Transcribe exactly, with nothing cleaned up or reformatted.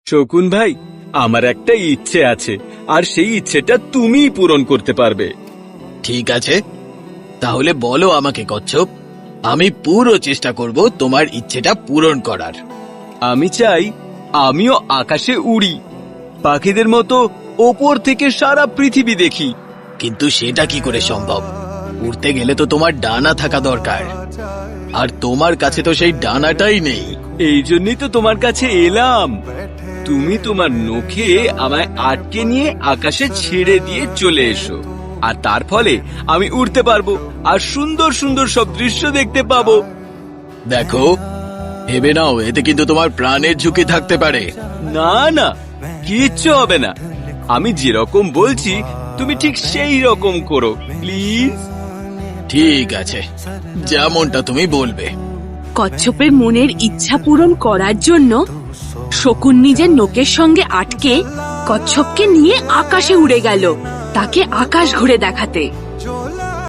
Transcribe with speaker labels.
Speaker 1: শকুন ভাই, আমার একটা ইচ্ছে আছে, আর সেই ইচ্ছেটা তুমিই পূরণ করতে পারবে।
Speaker 2: ঠিক আছে, তাহলে বলো আমাকে কচ্ছপ, আমি পুরো চেষ্টা করব তোমার ইচ্ছেটা পূরণ করার।
Speaker 1: আমি চাই আমিও আকাশে উড়ি, পাখিদের মতো ওপর থেকে সারা পৃথিবী দেখি।
Speaker 2: কিন্তু সেটা কি করে সম্ভব? উড়তে গেলে তো তোমার ডানা থাকা দরকার, আর তোমার কাছে তো সেই ডানাটাই নেই।
Speaker 1: এই জন্যই তো তোমার কাছে এলাম। তুমি তোমার নখে আমায় আটকে নিয়ে আকাশে ছেড়ে দিয়ে চলে এসো, আর তার ফলে আমি উড়তে পারবো আর সুন্দর সুন্দর সব দৃশ্য দেখতে পাবো।
Speaker 2: দেখো, ভেবে নাও, এতে কিন্তু তোমার প্রাণের ঝুঁকি থাকতে পারে।
Speaker 1: না না, কিচ্ছু হবে না। আমি যেরকম বলছি তুমি ঠিক সেই রকম করো, প্লিজ।
Speaker 2: ঠিক আছে, যেমনটা তুমি বলবে।
Speaker 3: কচ্ছপের মনের ইচ্ছা পূরণ করার জন্য শকুন নিজের নখের সঙ্গে আটকে কচ্ছপকে নিয়ে আকাশে উড়ে গেল, তাকে আকাশ ঘুরে দেখাতে।